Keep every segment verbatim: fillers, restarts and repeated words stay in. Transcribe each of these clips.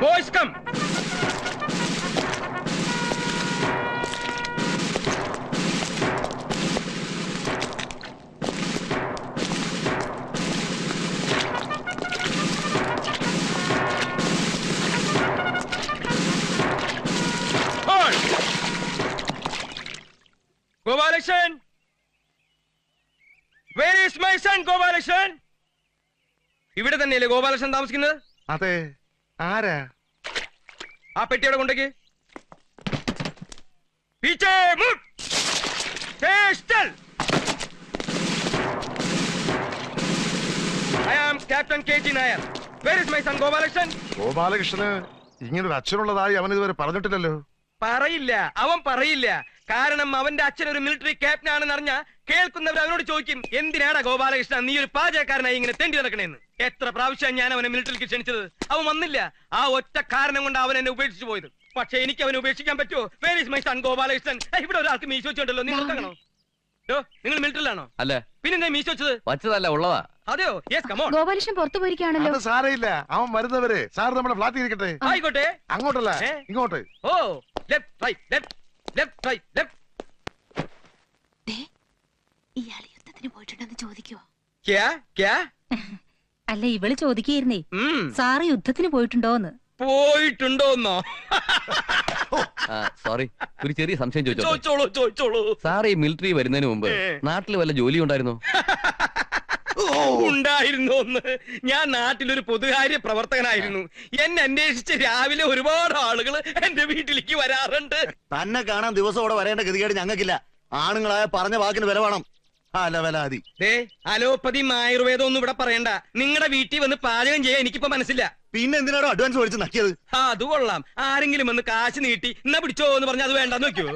Boys, come. Gopalakrishnan! Where is my son, Gopalakrishnan? ഇവിടെ തന്നെയല്ലേ ഗോപാലകൃഷ്ണൻ താമസിക്കുന്നത്? അതെ. ആരാ? ആ പെട്ടിയുടെ കൊണ്ടേക്ക്. പീച്ചേ മുട്ട്. സ്റ്റേൽ. I am Captain K G Nair. Where is my son, Gopalakrishnan? ഗോപാലകൃഷ്ണന് ഇങ്ങനൊരു അച്ഛനുള്ളതായി അവൻ ഇതുവരെ പറഞ്ഞിട്ടില്ലല്ലോ. പറയില്ല, അവൻ പറയില്ല. കാരണം അവന്റെ അച്ഛൻ ഒരു മിലിറ്ററി ക്യാപ്റ്റൻ ആണെന്ന് അറിഞ്ഞ കേൾക്കുന്നവർ അവനോട് ചോദിക്കും, എന്തിനാടാ ഗോപാലകൃഷ്ണൻ നീ ഒരു പാചകക്കാരനായി ഇങ്ങനെ തെണ്ടി നടക്കണേന്ന്. എത്ര പ്രാവശ്യം ഞാൻ അവനെ മിലിറ്ററിക്ക് ക്ഷണിച്ചത്, അവൻ വന്നില്ല. ആ ഒറ്റ കാരണം കൊണ്ട് അവൻ എന്നെ ഉപേക്ഷിച്ചു പോയത്. പക്ഷെ എനിക്ക് അവനെ ഉപേക്ഷിക്കാൻ പറ്റുമോ? Where is my son Gopalakrishnan? ഇവിടെ ഒരാൾക്ക് മീശ വെച്ചോണ്ടല്ലോ, നിങ്ങൾ കാണോ? നിങ്ങൾ മിലിറ്ററിലാണോ? അല്ല. പിന്നെ മീശ വെച്ചത് വച്ചതല്ല, ഉള്ളതാ. അതെയോ? Yes, come on. ഗോപാലകൃഷ്ണൻ പുറത്തു പോയിരിക്കുകയാണല്ലോ. അത് സാരയില്ല, അവൻ വരുന്നവരെ സാർ നമ്മുടെ ഫ്ലാറ്റിൽ ഇരിക്കട്ടെ. ആയിക്കോട്ടെ. അങ്ങോട്ടല്ല, ഇങ്ങോട്ട്. ഓ, left right left left right left. ഇയാൾ യുദ്ധത്തിന് പോയിട്ടുണ്ടെന്ന് ചോദിക്കുവോ? ക്യാ ക്യാ? അല്ല, ഇവള് ചോദിക്കുകയായിരുന്നേ, സാറ് യുദ്ധത്തിന് പോയിട്ടുണ്ടോന്ന്. പോയിട്ടുണ്ടോന്നോ? സോറി, ഒരു ചെറിയ സംശയം ചോദിച്ചോളൂ ചോദിച്ചോളൂ. സാർ ഈ മിലിറ്ററി വരുന്നതിന് മുമ്പ് നാട്ടിൽ വല്ല ജോലി ഉണ്ടായിരുന്നോ? ഉണ്ടായിരുന്നു. ഒന്ന് ഞാൻ നാട്ടിലൊരു പൊതുകാര്യ പ്രവർത്തകനായിരുന്നു. എന്നെ അന്വേഷിച്ച് രാവിലെ ഒരുപാട് ആളുകൾ എന്റെ വീട്ടിലേക്ക് വരാറുണ്ട്. തന്നെ കാണാൻ ദിവസം ഇവിടെ വരേണ്ട ഗതികേട് ഞങ്ങൾക്കില്ല. ആണുങ്ങളായ പറഞ്ഞ വാക്കിന് വില വേണം. അലോപ്പതിയും ആയുർവേദം ഒന്നും ഇവിടെ പറയണ്ട. നിങ്ങളുടെ വീട്ടിൽ വന്ന് പാചകം ചെയ്യാൻ എനിക്കിപ്പോ മനസ്സില്ല. പിന്നെ എന്തിനാണോ അഡ്വാൻസ് മേടിച്ച് നക്കിയത്? ആ, അത് കൊള്ളാം. ആരെങ്കിലും വന്ന് കാശ് നീട്ടി എന്നാ പിടിച്ചോ എന്ന് പറഞ്ഞാൽ അത് വേണ്ടെന്ന് വെക്കോ?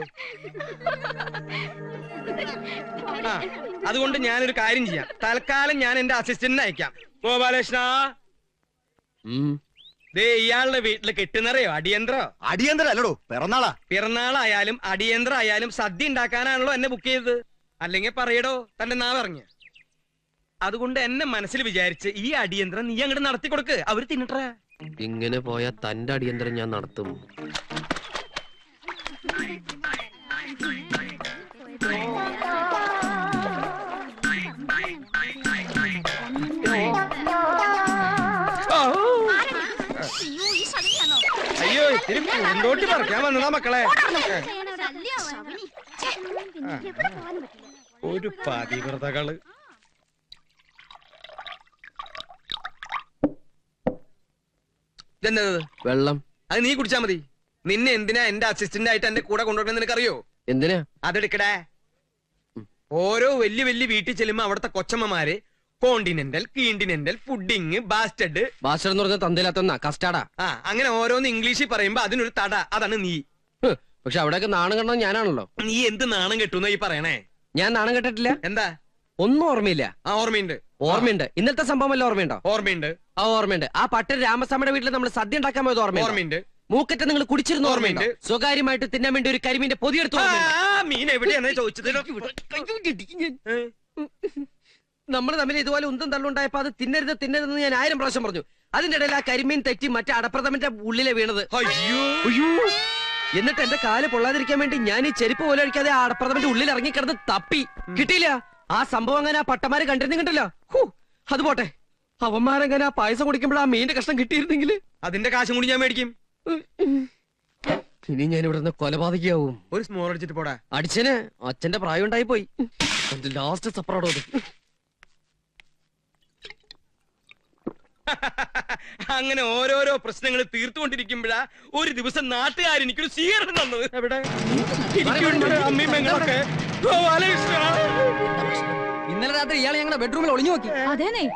ആ, അതുകൊണ്ട് ഞാനൊരു കാര്യം ചെയ്യാം. തൽക്കാലം ഞാൻ എന്റെ അസിസ്റ്റന്റിനെ അയക്കാം. ഗോപാലകൃഷ്ണ, ദേ ഇയാളുടെ വീട്ടില് കെട്ടുന്നറിയോ അടിയന്തരോ? അടിയന്തരം അല്ലടോ, പിറന്നാളാ. പിറന്നാളായാലും അടിയന്തരം ആയാലും സദ്യ ഉണ്ടാക്കാനാണല്ലോ എന്നെ ബുക്ക് ചെയ്തത്. അല്ലെങ്കിൽ പറയടോ തന്റെ നാവ് ഇറങ്ങിയ. അതുകൊണ്ട് എന്നെ മനസ്സിൽ വിചാരിച്ച് ഈ അടിയന്തരം നീ അങ്ങോട്ട് നടത്തി കൊടുക്ക്, അവര് തിന്നട്ടെ. ഇങ്ങനെ പോയാ തന്റെ അടിയന്തരം ഞാൻ നടത്തും. അയ്യോ, ഇത്തിരി പൂന്തോട്ടി പറിക്കാൻ വന്നതാ മക്കളെ. ഒരു പതിവ്രതകള്. ഇതെന്നത്? വെള്ളം. അത് നീ കുടിച്ചാ മതി. നിന്നെ എന്തിനാ എന്റെ അസിസ്റ്റന്റ് ആയിട്ട് എന്റെ കൂടെ കൊണ്ടുവരണം നിനക്കറിയോ? എന്തിനാ? അതെടുക്കടേ. ഓരോ വലിയ വലിയ വീട്ടിൽ ചെല്ലുമ്പോ അവിടുത്തെ കൊച്ചമ്മമാര് കോണ്ടിനെന്റൽ, കീണ്ടിനെന്റൽ, പുഡിങ്, ബാസ്റ്റഡ്. ബാസ്റ്റഡ് എന്ന് പറഞ്ഞ തന്തയിലാത്ത കസ്റ്റാർഡാ. ആ, അങ്ങനെ ഓരോന്ന് ഇംഗ്ലീഷിൽ പറയുമ്പോ അതിനൊരു തട. അതാണ് നീ. പക്ഷെ അവിടെയൊക്കെ നാണം കണ്ടത് ഞാനാണല്ലോ. നീ എന്ത് നാണം കെട്ടുന്ന ഈ പറയണേ? ഞാൻ നാണം കെട്ടിട്ടില്ല. എന്താ? ഒന്നും ഓർമ്മയില്ല. ആ, ഓർമ്മയുണ്ട് ഓർമ്മയുണ്ട്. ഇന്നത്തെ സംഭവം വല്ല ഓർമ്മയുണ്ടോ? ഓർമ്മയുണ്ട്. ആ, ഓർമ്മയുണ്ട്. ആ പട്ടൻ രാമസ്വാമിയുടെ വീട്ടിൽ നമ്മൾ സദ്യ ഉണ്ടാക്കാൻ പോയത് ഓർമ്മയുണ്ട്. മൂക്കറ്റ നിങ്ങൾ കുടിച്ചിരുന്ന ഓർമ്മയുണ്ട്. സ്വകാര്യമായിട്ട് തിന്നാൻ വേണ്ടി ഒരു കരിമീന്റെ പൊതിയെടുത്ത് മീൻ എവിടെയാണ് ചോദിച്ചത്? നമ്മൾ തമ്മിൽ ഇതുപോലെ ഉന്തം തള്ളുണ്ടായപ്പോ അത് തിന്നരുത് തിന്നരുതെന്ന് ഞാൻ ആയിരം പ്രാവശ്യം പറഞ്ഞു. അതിന്റെ ഇടയിൽ ആ കരിമീൻ തെറ്റി മറ്റേ അടപ്രഥമന്റെ ഉള്ളിലെ വീണത്. അയ്യോ! എന്നിട്ട് എന്റെ കാല് പൊള്ളാതിരിക്കാൻ വേണ്ടി ഞാൻ ഈ ചെരുപ്പ് പോലെ അടിക്കാതെ ആ അടപ്രഥമന്റെ ഉള്ളിൽ ഇറങ്ങിക്കിടന്ന് തപ്പി കിട്ടിയില്ല. ആ സംഭവം അങ്ങനെ ആ പട്ടമാര് കണ്ടിരുന്നില്ല. അത് പോട്ടെ, അവന്മാരങ്ങനെ ആ പായസം കുടിക്കുമ്പോൾ ആ മീന്റെ കഷ്ണം കിട്ടിയിരുന്നെങ്കിൽ അതിന്റെ കാശും കൂടി ഞാൻ മേടിക്കും. ഇനി ഞാൻ ഇവിടെ നിന്ന് കൊലപാതകയാവും. ഒരു സ്മോൾ അടിച്ചിട്ട് പോടാ. അടിച്ചന് അച്ഛന്റെ പ്രായം ഉണ്ടായി പോയി. ലാസ്റ്റ് സപ്പറോടോ അത്. അങ്ങനെ ഓരോരോ പ്രശ്നങ്ങൾ തീർത്തുകൊണ്ടിരിക്കുമ്പോഴാ ഒരു ദിവസം നാട്ടുകാർ എനിക്കൊരു സ്വീകരണം തന്നത്. എവിടെ? ഇന്നലെ രാത്രി ഇയാൾ ഞങ്ങളുടെ ബെഡ്റൂമിൽ ഒളിഞ്ഞു നോക്കി. അതേനെ.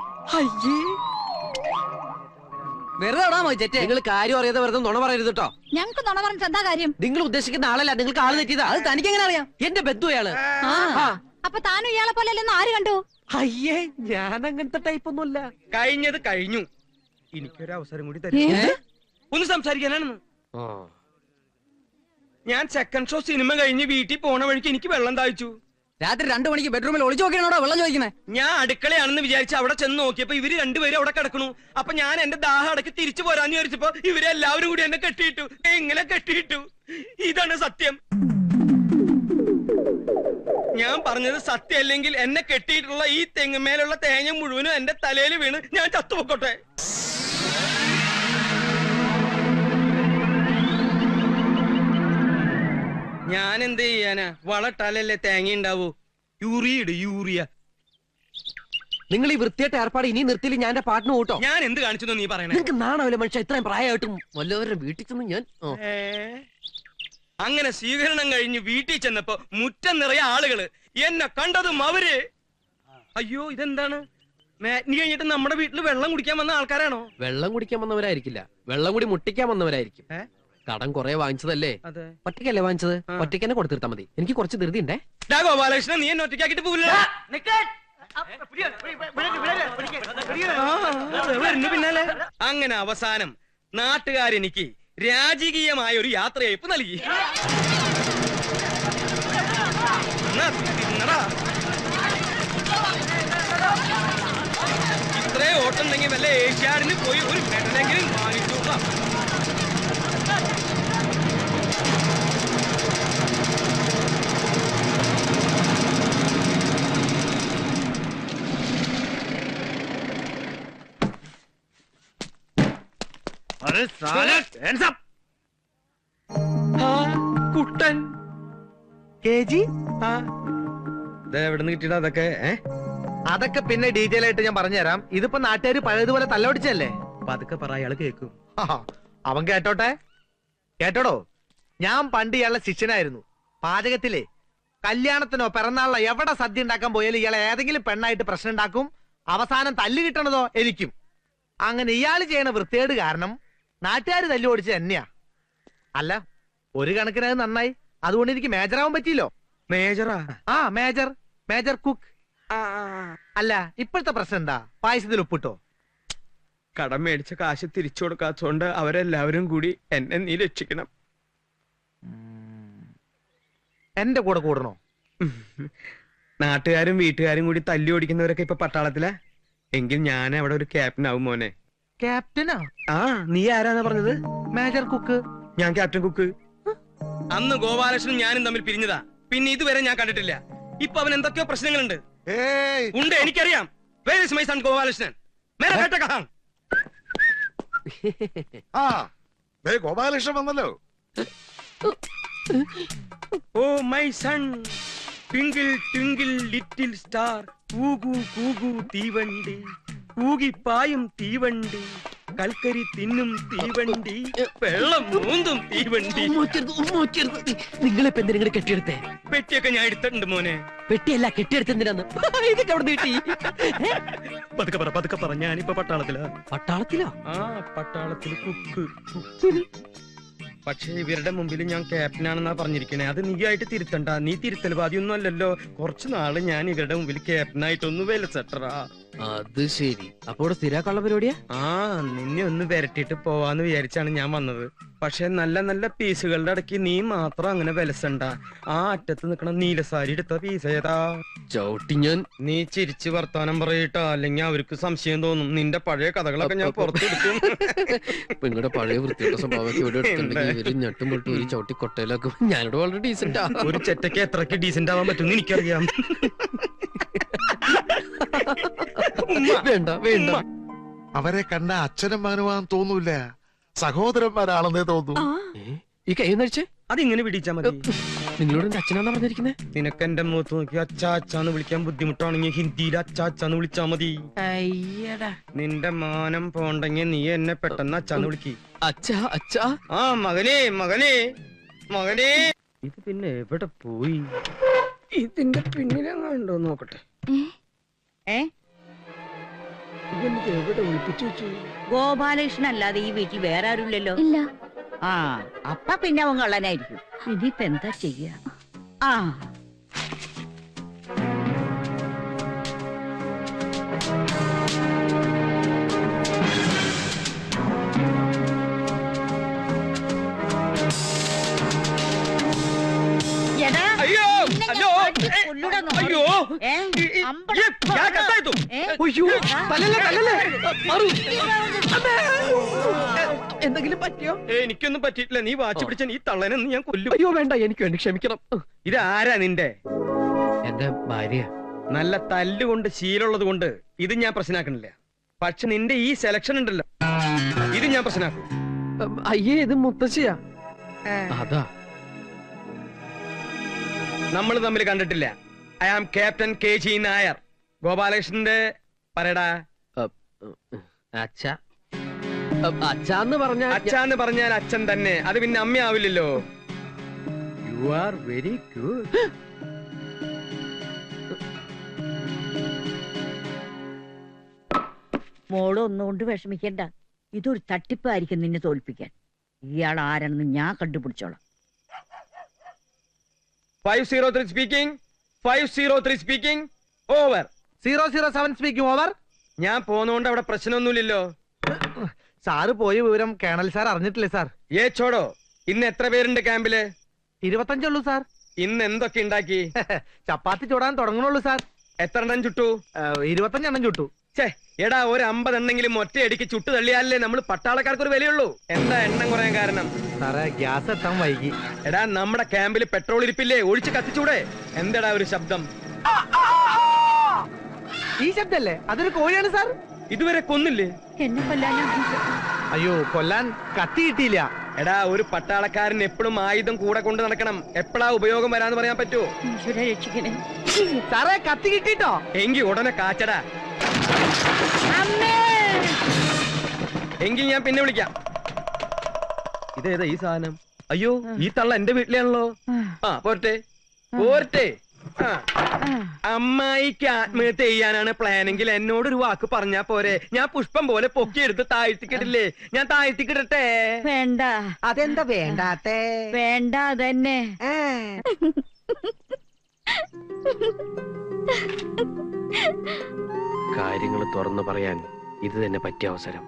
വെറുതെ നിങ്ങൾ കാര്യം അറിയാതെ വെറുതെ നുണ പറയരുത് കേട്ടോ. ഞങ്ങൾക്ക് നുണ പറഞ്ഞിട്ട് എന്താ കാര്യം? നിങ്ങൾ ഉദ്ദേശിക്കുന്ന ആളല്ല, നിങ്ങൾക്ക് ആള് തെറ്റിയതാ. അത് തനിക്ക് എങ്ങനെ അറിയാം? എന്റെ ബന്ധു അയാള്. അപ്പൊ താനും ഇയാളെ പോലെ അല്ലെന്ന് ആര് കണ്ടു? അയ്യേ, ഞാൻ അങ്ങനത്തെ ടൈപ്പ് ഒന്നുമല്ല. കഴിഞ്ഞത് കഴിഞ്ഞു. എനിക്കൊരു അവസരം കൂടി തരും ഒന്ന് സംസാരിക്കാനാണെന്ന്. ഞാൻ സെക്കൻഡ് ഷോ സിനിമ കഴിഞ്ഞ് വീട്ടിൽ പോണ വഴിക്ക് എനിക്ക് വെള്ളം താഴ്ച്ചു. രാത്രി രണ്ടു മണിക്ക് ബെഡ്റൂമിൽ ഒളിച്ചു നോക്കിയാണോ വെള്ളം ചോദിക്കുന്നത്? ഞാൻ അടുക്കളയാണെന്ന് വിചാരിച്ച് അവിടെ ചെന്ന് നോക്കിയപ്പോ ഇവര് രണ്ടുപേരും അവിടെ കിടക്കണു. അപ്പൊ ഞാൻ എന്റെ ദാഹം അടക്കി തിരിച്ചു പോരാന്ന് വിചാരിച്ചപ്പോ ഇവരെല്ലാവരും കൂടി എന്നെ കെട്ടിയിട്ടു. എങ്ങനെ കെട്ടിയിട്ടു? ഇതാണ് സത്യം. ഞാൻ പറഞ്ഞത് സത്യമല്ലെങ്കിൽ എന്നെ കെട്ടിയിട്ടുള്ള ഈ തെങ്ങുമേലുള്ള തേങ്ങ മുഴുവനും എന്റെ തലയിൽ വീണ് ഞാൻ ചത്തുപൊക്കോട്ടെ. ഞാൻ എന്ത് ചെയ്യാനാ? വളട്ടാലല്ലേ തേങ്ങ ഉണ്ടാവൂ. യൂറിയ ഇട്, യൂറിയ. നിങ്ങൾ ഈ വൃത്തിയായിട്ട് ഏർപ്പാട് ഇനി നിർത്തിയില്ല ഞാൻ എന്റെ പാട്ടിന് കൂട്ടോ. ഞാൻ എന്ത് കാണിച്ചു നീ പറയണേ? നിങ്ങൾക്ക് നാണാവില്ല മനുഷ്യ, ഇത്രയും പ്രായമായിട്ടും വല്ലവരുടെ വീട്ടിൽ ചെന്ന് ഞാൻ ഓ. ഏ? അങ്ങനെ സ്വീകരണം കഴിഞ്ഞ് വീട്ടിൽ ചെന്നപ്പോ മുറ്റം നിറയെ ആളുകള്. എന്നെ കണ്ടതും അവര് അയ്യോ ഇതെന്താണ്? മാറ്റിനി കഴിഞ്ഞിട്ട് നമ്മുടെ വീട്ടിൽ വെള്ളം കുടിക്കാൻ വന്ന ആൾക്കാരാണോ? വെള്ളം കുടിക്കാൻ വന്നവരായിരിക്കില്ല, വെള്ളം കൂടി മുട്ടിക്കാൻ വന്നവരായിരിക്കും. കടം കൊറേ വാങ്ങിച്ചതല്ലേ? അതെ. ഒറ്റയ്ക്കല്ലേ വാങ്ങിച്ചത്? ഒറ്റയ്ക്ക് തന്നെ കൊടുത്തിരുത്താ മതി. എനിക്ക് കുറച്ച് ധൃതി ഉണ്ടേ. ഗോപാലകൃഷ്ണൻ, നീ എന്നെ ഒറ്റയ്ക്കാക്കിട്ട് പോവില്ല. പിന്നാലെ അങ്ങനെ അവസാനം നാട്ടുകാരെനിക്ക് രാജകീയമായ ഒരു യാത്രയയപ്പ് നൽകി. ഇത്രേ ഓട്ടുണ്ടെങ്കിൽ വല്ല ഏഷ്യാഡിന് പോയി ഒരു മെഡലെങ്കിലും വാങ്ങിച്ചോളാം. കുട്ടൻ എവിടുന്ന് കിട്ടിയത് അതൊക്കെ? അതൊക്കെ പിന്നെ ഡീറ്റെയിൽ ആയിട്ട് ഞാൻ പറഞ്ഞുതരാം. ഇതിപ്പോ നാട്ടുകാര് പഴയതുപോലെ തല്ലൊടിച്ചല്ലേ? അപ്പൊ അതൊക്കെ പറ, അയാൾ കേൾക്കും. അവൻ കേട്ടോട്ടെ. കേട്ടോടോ, ഞാൻ പണ്ട് ഇയാളുടെ ശിഷ്യനായിരുന്നു. പാചകത്തിലെ കല്യാണത്തിനോ പിറന്നാളിനോ എവിടെ സദ്യ ഉണ്ടാക്കാൻ പോയാലും ഇയാളെ ഏതെങ്കിലും പെണ്ണായിട്ട് പ്രശ്നം ഉണ്ടാക്കും. അവസാനം തല്ല് കിട്ടണതോ എനിക്കും. അങ്ങനെ ഇയാൾ ചെയ്യണ വൃത്തികേട് കാരണം നാട്ടുകാർ തല്ലു ഓടിച്ചത് തന്നെയാ. അല്ല, ഒരു കണക്കിന് അത് നന്നായി. അതുകൊണ്ട് എനിക്ക് മേജറാവാൻ പറ്റിയില്ലോ. മേജറാ? ആ, മേജർ മേജർ കുക്ക്. അല്ല, ഇപ്പോഴത്തെ പ്രശ്നം എന്താ? പായസത്തിൽ ഉപ്പിട്ടോ? കടം മേടിച്ച കാശ് തിരിച്ചു കൊടുക്കാത്തോണ്ട് അവരെല്ലാവരും കൂടി എന്നെ നീ രക്ഷിക്കണം. എന്റെ കൂടെ കൂടണോ? നാട്ടുകാരും വീട്ടുകാരും കൂടി തല്ലി ഓടിക്കുന്നവരൊക്കെ ഇപ്പൊ പട്ടാളത്തിലാ. എങ്കിൽ ഞാൻ അവിടെ ഒരു ക്യാപ്റ്റൻ ആവും മോനെ. ക്യാപ്റ്റനാ? ആ, നീ ആരാന്നാ പറഞ്ഞത്? Major cook. ഞാൻ ക്യാപ്റ്റൻ കുക്ക്. അന്ന് ഗോപാലകൃഷ്ണനും ഞാനും തമ്മിൽ പിരിഞ്ഞതാ. പിന്നെ ഇതുവരെ ഞാൻ കണ്ടിട്ടില്ല. ഇപ്പൊ അവൻ എന്തൊക്കെയോ പ്രശ്നങ്ങളുണ്ട്. ഉണ്ട്, എനിക്കറിയാം. Where is my son Gopalakrishnan? മേരാ ബേട്ട കഹാം? ആ, ദേ ഗോപാലകൃഷ്ണൻ വന്നല്ലോ. Oh my son, twinkle twinkle little star, കൂകു കൂകു തീവണ്ടി, കൂകിപ്പായും തീവണ്ടി, കൽക്കരി തിന്നും തീവണ്ടി, വെള്ളം മൂന്നും തീവണ്ടി. നിങ്ങളിപ്പോ എന്തിനാ കെട്ടിയെടുത്തേ? പെട്ടിയൊക്കെ ഞാൻ എടുത്തിട്ടുണ്ട് മോനെ. പെട്ടിയല്ല, കെട്ടിയെടുത്തെന്തിനാന്ന്? ഇതൊക്കെ അവിടെ നീട്ടി. പതുക്കെ പറ, പതുക്കെ പറ. ഞാനിപ്പോ പട്ടാളത്തിലാ. പട്ടാളത്തിലോ? ആ, പട്ടാളത്തിൽ കുക്ക്. പക്ഷെ ഇവരുടെ മുമ്പിൽ ഞാൻ ക്യാപ്റ്റനാണെന്നാ പറഞ്ഞിരിക്കണേ. അത് നീ ആയിട്ട് തിരുത്തണ്ട. നീ തിരുത്തൽവാദിയൊന്നും അല്ലല്ലോ. കുറച്ചു നാള് ഞാൻ ഇവരുടെ മുമ്പിൽ ക്യാപ്റ്റനായിട്ടൊന്ന് വിലസെട്ടറാ. അത് ശരി. അപ്പൊ ഇവിടെ സ്ഥിരാക്കാനുള്ള പരിപാടിയാ? ആ, നിന്നെ ഒന്ന് വരട്ടിട്ട് പോവാന്ന് വിചാരിച്ചാണ് ഞാൻ വന്നത്. പക്ഷെ നല്ല നല്ല പീസുകളുടെ ഇടയ്ക്ക് നീ മാത്രം അങ്ങനെ വിലസണ്ട. ആ അറ്റത്ത് നിക്കണ നീലസാരി എടുത്ത പീസ് ഏതാ? ചവിട്ടി ഞാൻ. നീ ചിരിച്ച് വർത്താനം പറയട്ടോ, അല്ലെങ്കിൽ അവർക്ക് സംശയം തോന്നും. നിന്റെ പഴയ കഥകളൊക്കെ ഞാൻ പുറത്തെടുക്കും. നിങ്ങളുടെ പഴയ വൃത്തിയുടെ സ്വഭാവമൊക്കെ ഇവിടെ എടുത്തിട്ടുണ്ടെങ്കിൽ ഇവര് ഞെട്ടും പൊട്ടും ഒരു ചവിട്ടി കൊട്ടയിലൊക്കെ. ഞാനിവിടെ വളരെ ഡീസന്റ്. ഒരു ചെറ്റയ്ക്ക് എത്രക്ക് ഡീസന്റ് ആവാൻ പറ്റും എനിക്കറിയാം. വേണ്ട വേണ്ട. അവരെ കണ്ട അച്ഛനും മകനുമാൻ തോന്നൂല, സഹോദരന്മാരാണെന്നേ തോന്നൂ. ഈ കൈ നഴിച്ചേ. അതിങ്ങനെ പിടിച്ചാ മതി. നിങ്ങളോട് എന്റെ അച്ഛനാന്നാ പറഞ്ഞിരിക്കുന്നേ? നിനക്ക് എന്റെ മുഖത്ത് നോക്കി അച്ചാ അച്ചാന്ന് വിളിക്കാൻ ബുദ്ധിമുട്ടാണെങ്കിൽ ഹിന്ദിയിൽ അച്ചാ അച്ചാന്ന് വിളിച്ചാ മതി. അയ്യടാ, നിന്റെ മാനം പോണ്ടെങ്കിൽ നീ എന്നെ പെട്ടെന്ന് അച്ചാന്ന് വിളിക്ക്. അച്ഛാ അച്ഛാ. ആ, മകനെ മകനെ മകനെ. ഇത് പിന്നെ എവിടെ പോയി? ഇതിന്റെ പിന്നിലെങ്ങാണ്ടോ നോക്കട്ടെ. ഇതെനിക്ക് എവിടെ ഒളിപ്പിച്ചു വെച്ചു? ഗോപാലകൃഷ്ണൻ അല്ലാതെ ഈ വീട്ടിൽ വേറെ ആരുമില്ലല്ലോ. ഇല്ല. ആ, അപ്പ പിന്നെ അവൻ കള്ളനായിരിക്കും. ഇനിയിപ്പ എന്താ ചെയ്യാ? ആ, അയ്യോ, അയ്യോ. क्या करता है तू? അയ്യോ തല്ലല്ലേ തല്ലല്ലേ മാറൂ. അമ്മേ. എന്തെങ്കിലും പറ്റിയോ? ഏയ്, എനിക്കൊന്നും പറ്റിയിട്ടില്ല. നീ വാച്ച് പിടിച്ച നീ തള്ളനെ ഒന്ന് ഞാൻ കൊല്ലും. അയ്യോ വേണ്ട, എനിക്ക് വേണ്ടി ക്ഷമിക്കണം. ഇത് ആരാ നിന്റെ? എന്റെ ഭാര്യ. നല്ല തല്ലുകൊണ്ട് ശീലമുള്ളത് കൊണ്ട് ഇത് ഞാൻ പ്രശ്നമാക്കണില്ല. പക്ഷെ നിന്റെ ഈ സെലക്ഷൻ ഉണ്ടല്ലോ, ഇത് ഞാൻ പ്രശ്നമാക്കും. അയ്യേ, ഇത് മുത്തശ്ശിയാ. അതാ നമ്മൾ തമ്മിൽ കണ്ടിട്ടില്ല. I am captain K G Nair. ഗോപാലകൃഷ്ണന്റെ പറയടാ. അച്ഛ അച്ഛന്ന് പറഞ്ഞ അച്ഛന്ന് പറഞ്ഞാൽ അച്ഛൻ തന്നെ. അത് പിന്നെ അമ്മയാവില്ലല്ലോ. You are very good. മോള് ഒന്നുകൊണ്ട് വിഷമിക്കണ്ട. ഇതൊരു തട്ടിപ്പായിരിക്കും നിന്നെ തോൽപ്പിക്കാൻ. ഇയാൾ ആരാണെന്ന് ഞാൻ കണ്ടുപിടിച്ചോളാം. Five zero three speaking. Five zero three speaking. Over. Zero zero seven speaking over. ഞാൻ പോന്നോണ്ട് അവിടെ പ്രശ്നമൊന്നുമില്ലല്ലോ. സാറ് പോയ വിവരം കേണൽ സാർ അറിഞ്ഞിട്ടില്ലേ സാർ? ഏ ചോടോ, ഇന്ന് എത്ര പേരുണ്ട് ക്യാമ്പില്? ഇരുപത്തഞ്ചുള്ളൂ സാർ. ഇന്ന് എന്തൊക്കെ ഉണ്ടാക്കി? ചപ്പാത്തി ചൂടാൻ തുടങ്ങണുള്ളൂ സാർ. എത്ര എണ്ണം ചുട്ടു? ഇരുപത്തഞ്ചെണ്ണം ചുട്ടു. ഛേ, എടാ, ഒരു അമ്പതെണ്ണെങ്കിലും ഒറ്റയടിക്ക് ചുട്ടു തള്ളിയാലേ നമ്മൾ പട്ടാളക്കാർക്ക് ഒരു വിലയുള്ളൂ. എന്താ എണ്ണം കുറയാൻ കാരണം? സാറേ, ഗ്യാസ് എത്താൻ വൈകി. എടാ, നമ്മുടെ ക്യാമ്പിൽ പെട്രോൾ ഇരിപ്പില്ലേ? ഒഴിച്ച് കത്തിച്ചൂടെ? എന്താടാ ഒരു ശബ്ദം? ഈ ശബ്ദല്ലേ? അതൊരു കോഴിയാണ് സാർ. ഇതുവരെ കൊന്നില്ലേ? എന്നെ കൊല്ലാനാ? അയ്യോ, കൊല്ലാൻ കത്തി കിട്ടിയില്ല. എടാ, ഒരു പട്ടാളക്കാരൻ എപ്പോഴും ആയുധം കൂടെ കൊണ്ട് നടക്കണം. എപ്പോഴാ ഉപയോഗം വരാന്ന് പറയാൻ പറ്റുമോ? ഈശ്വരാ രക്ഷിക്കണേ. സാറേ, കത്തി കിട്ടിട്ടോ? എങ്കി ഉടനെ കാച്ചടാ. എങ്കിൽ ഞാൻ പിന്നെ വിളിക്കാം. ഇതേതാ ഈ സാധനം? അയ്യോ, ഈ തള്ള എന്റെ വീട്ടിലാണല്ലോ. ആ, പോരട്ടെ പോരട്ടെ. ആ, അമ്മായിക്ക് ആത്മഹത്യ ചെയ്യാനാണ് പ്ലാനെങ്കിൽ എന്നോടൊരു വാക്ക് പറഞ്ഞാ പോരെ? ഞാൻ പുഷ്പം പോലെ പൊക്കിയെടുത്ത് താഴ്ത്തിക്കിടില്ലേ? ഞാൻ താഴ്ത്തിക്കിടട്ടെ? വേണ്ട. അതെന്താ വേണ്ടാത്തേ? വേണ്ട അതന്നെ. കാര്യങ്ങൾ തുറന്നു പറയാൻ ഇത് തന്നെ പറ്റിയ അവസരം.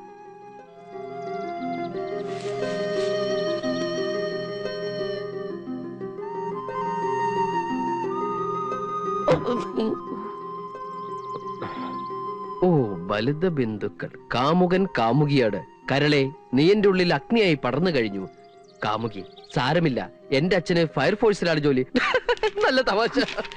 ഓ, ബലിത ബിന്ദുക്കൾ. കാമുകൻ കാമുകിയാണ്. കരളെ, നീ എന്റെ ഉള്ളിൽ അഗ്നിയായി പടർന്നു കഴിഞ്ഞു. കാമുകി, സാരമില്ല, എന്റെ അച്ഛന് ഫയർഫോഴ്സിലാണ് ജോലി. നല്ല തമാശ.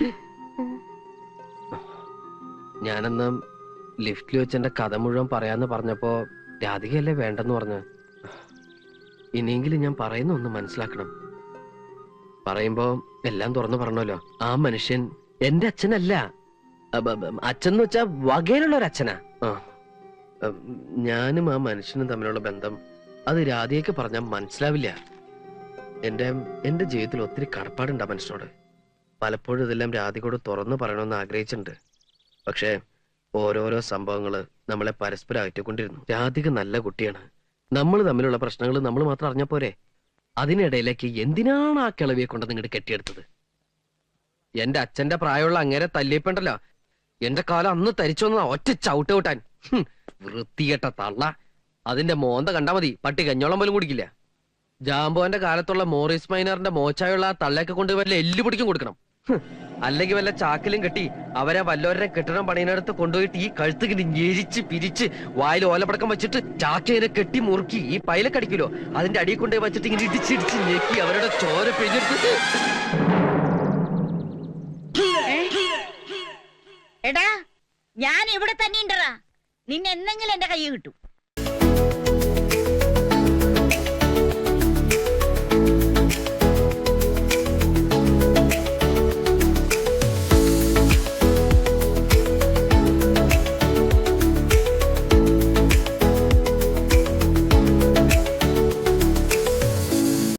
ഞാനെന്ന് ലിഫ്റ്റിൽ വെച്ച് എന്റെ കഥ മുഴുവൻ പറയാന്ന് പറഞ്ഞപ്പോ രാധികയല്ലേ വേണ്ടെന്ന് പറഞ്ഞു. ഇനിയെങ്കിലും ഞാൻ പറയുന്ന ഒന്ന് മനസ്സിലാക്കണം. പറയുമ്പോ എല്ലാം തുറന്നു പറഞ്ഞല്ലോ. ആ മനുഷ്യൻ എന്റെ അച്ഛനല്ല. അച്ഛൻ എന്ന് വെച്ചാ വകയിലുള്ള ഒരു അച്ഛനാ. ഞാനും ആ മനുഷ്യനും തമ്മിലുള്ള ബന്ധം അത് രാധികയ്ക്ക് പറഞ്ഞാൽ മനസ്സിലാവില്ല. എന്റെ എന്റെ ജീവിതത്തിൽ ഒത്തിരി കടപ്പാടുണ്ട് ആ മനുഷ്യനോട്. പലപ്പോഴും ഇതെല്ലാം രാധികയോട് തുറന്നു പറയണമെന്ന് ആഗ്രഹിച്ചിട്ടുണ്ട്. പക്ഷേ ഓരോരോ സംഭവങ്ങള് നമ്മളെ പരസ്പരം അകറ്റിക്കൊണ്ടിരുന്നു. രാധിക നല്ല കുട്ടിയാണ്. നമ്മൾ തമ്മിലുള്ള പ്രശ്നങ്ങൾ നമ്മൾ മാത്രം അറിഞ്ഞ പോരെ? അതിനിടയിലേക്ക് എന്തിനാണ് ആ കിളവിയെ കൊണ്ട് നിങ്ങോട്ട് കെട്ടിയെടുത്തത്? എന്റെ അച്ഛന്റെ പ്രായമുള്ള അങ്ങേരെ തല്ലിയപ്പുണ്ടല്ലോ, എന്റെ കാലം അന്ന് തരിച്ചോന്ന ഒറ്റ ചവിട്ട് വിട്ടാൻ. വൃത്തികെട്ട തള്ള. അതിന്റെ മോന്ത കണ്ടാ മതി, പട്ടി കഞ്ഞോളം പോലും കുടിക്കില്ല. ജാമ്പോന്റെ കാലത്തുള്ള മോറിസ് മൈനറിന്റെ മോച്ചായുള്ള ആ തള്ളയൊക്കെ കൊണ്ട് വല്ല എല്ലു പിടിക്കും കൊടുക്കണം. അല്ലെങ്കിൽ വല്ല ചാക്കിലും കെട്ടി അവരെ വല്ലവരുടെ കെട്ടിടം പണിയിനടുത്ത് കൊണ്ടുപോയിട്ട് ഈ കഴുത്ത് ഇങ്ങനെ ഞെരിച്ച് പിരിച്ച് വായിൽ ഓലപ്പടക്കം വെച്ചിട്ട് ചാക്കിനെ കെട്ടി മുറുക്കി ഈ പൈലക്കടിക്കുമല്ലോ, അതിന്റെ അടിയിൽ കൊണ്ടുപോയി വെച്ചിട്ട് ഇങ്ങനെ ഇടിച്ചിടിച്ച് ഞെക്കി അവരുടെ ചോര പിഴിഞ്ഞെടുത്ത്. എടാ, ഞാൻ ഇവിടെ തന്നെ ഉണ്ടറാ. നിന്നെ എന്തെങ്കിലും എന്റെ കൈ കിട്ടും.